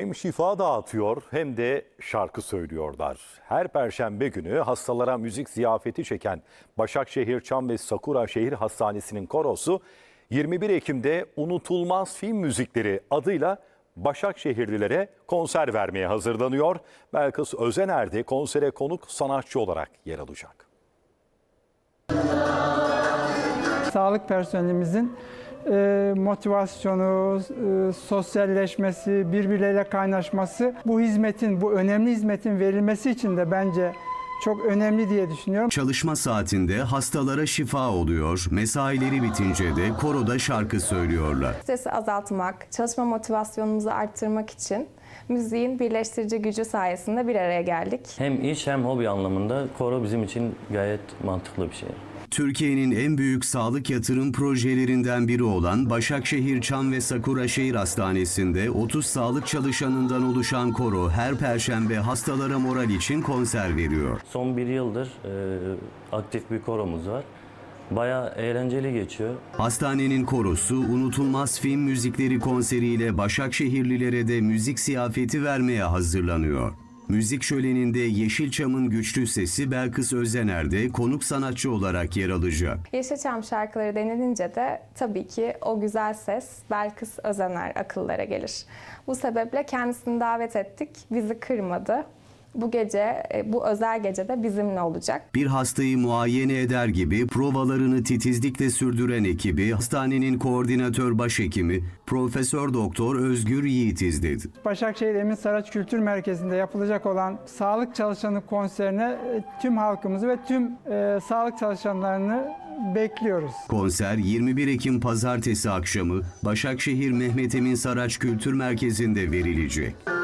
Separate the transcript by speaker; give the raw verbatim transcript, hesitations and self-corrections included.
Speaker 1: hem şifa dağıtıyor hem de şarkı söylüyorlar. Her perşembe günü hastalara müzik ziyafeti çeken Başakşehir Çam ve Sakura Şehir Hastanesi'nin korosu yirmi bir Ekim'de Unutulmaz Film Müzikleri adıyla Başakşehirlilere konser vermeye hazırlanıyor. Belkıs Özener de konsere konuk sanatçı olarak yer alacak.
Speaker 2: Sağlık personelimizin e, motivasyonu, e, sosyalleşmesi, birbirleriyle kaynaşması, bu hizmetin, bu önemli hizmetin verilmesi için de bence çok önemli diye düşünüyorum.
Speaker 3: Çalışma saatinde hastalara şifa oluyor, mesaileri bitince de koroda şarkı söylüyorlar.
Speaker 4: Stresi azaltmak, çalışma motivasyonumuzu arttırmak için müziğin birleştirici gücü sayesinde bir araya geldik.
Speaker 5: Hem iş hem hobi anlamında koro bizim için gayet mantıklı bir şey.
Speaker 3: Türkiye'nin en büyük sağlık yatırım projelerinden biri olan Başakşehir Çam ve Sakura Şehir Hastanesi'nde otuz sağlık çalışanından oluşan koro her perşembe hastalara moral için konser veriyor.
Speaker 5: Son bir yıldır e, aktif bir koromuz var. Bayağı eğlenceli geçiyor.
Speaker 3: Hastanenin korosu Unutulmaz Film Müzikleri konseriyle Başakşehirlilere de müzik ziyafeti vermeye hazırlanıyor. Müzik şöleninde Yeşilçam'ın güçlü sesi Belkıs Özener de konuk sanatçı olarak yer alacak.
Speaker 4: Yeşilçam şarkıları denilince de tabii ki o güzel ses Belkıs Özener akıllara gelir. Bu sebeple kendisini davet ettik, bizi kırmadı. Bu gece, bu özel gecede bizimle olacak.
Speaker 3: Bir hastayı muayene eder gibi provalarını titizlikle sürdüren ekibi hastanenin koordinatör başhekimi Profesör Doktor Özgür Yiğit izledi.
Speaker 2: Başakşehir Emin Saraç Kültür Merkezi'nde yapılacak olan sağlık çalışanı konserine tüm halkımızı ve tüm e, sağlık çalışanlarını bekliyoruz.
Speaker 3: Konser yirmi bir Ekim Pazartesi akşamı Başakşehir Mehmet Emin Saraç Kültür Merkezi'nde verilecek.